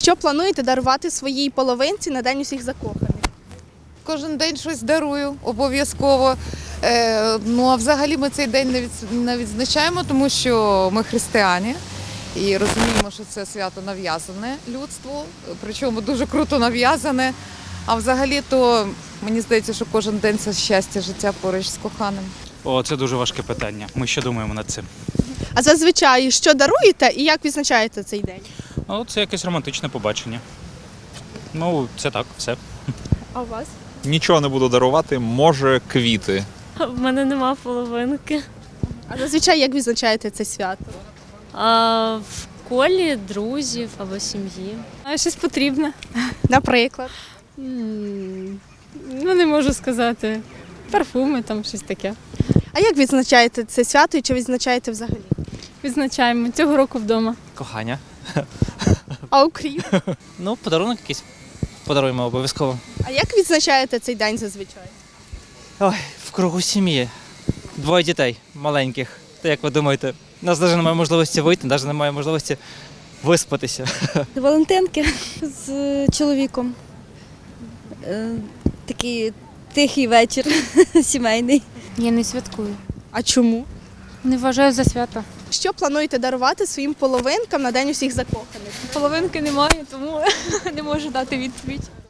Що плануєте дарувати своїй половинці на День усіх закоханих? Кожен день щось дарую, обов'язково. Ну а взагалі ми цей день не відзначаємо, тому що ми християни і розуміємо, що це свято нав'язане людству, причому дуже круто нав'язане. А взагалі то мені здається, що кожен день це щастя, життя поруч з коханим. О, це дуже важке питання. Ми ще думаємо над цим. А зазвичай що даруєте і як відзначаєте цей день? Ну, це якесь романтичне побачення. Ну, це так, все. А у вас? Нічого не буду дарувати, може квіти. В мене нема половинки. А зазвичай як відзначаєте це свято? В колі друзів або сім'ї. Щось потрібне. Наприклад. Ну, не можу сказати. Парфуми, там щось таке. А як відзначаєте це свято і чи відзначаєте взагалі? Відзначаємо цього року вдома. Кохання. А окрім? Ну, подарунок якийсь подаруємо обов'язково. А як відзначаєте цей день зазвичай? Ой, в кругу сім'ї. Двоє дітей маленьких. Та як ви думаєте, у нас навіть немає можливості вийти, навіть немає можливості виспатися. Валентинки з чоловіком. Такий тихий вечір сімейний. Я не святкую. А чому? Не вважаю за свято. Що плануєте дарувати своїм половинкам на День усіх закоханих? Половинки немає, тому не можу дати відповідь.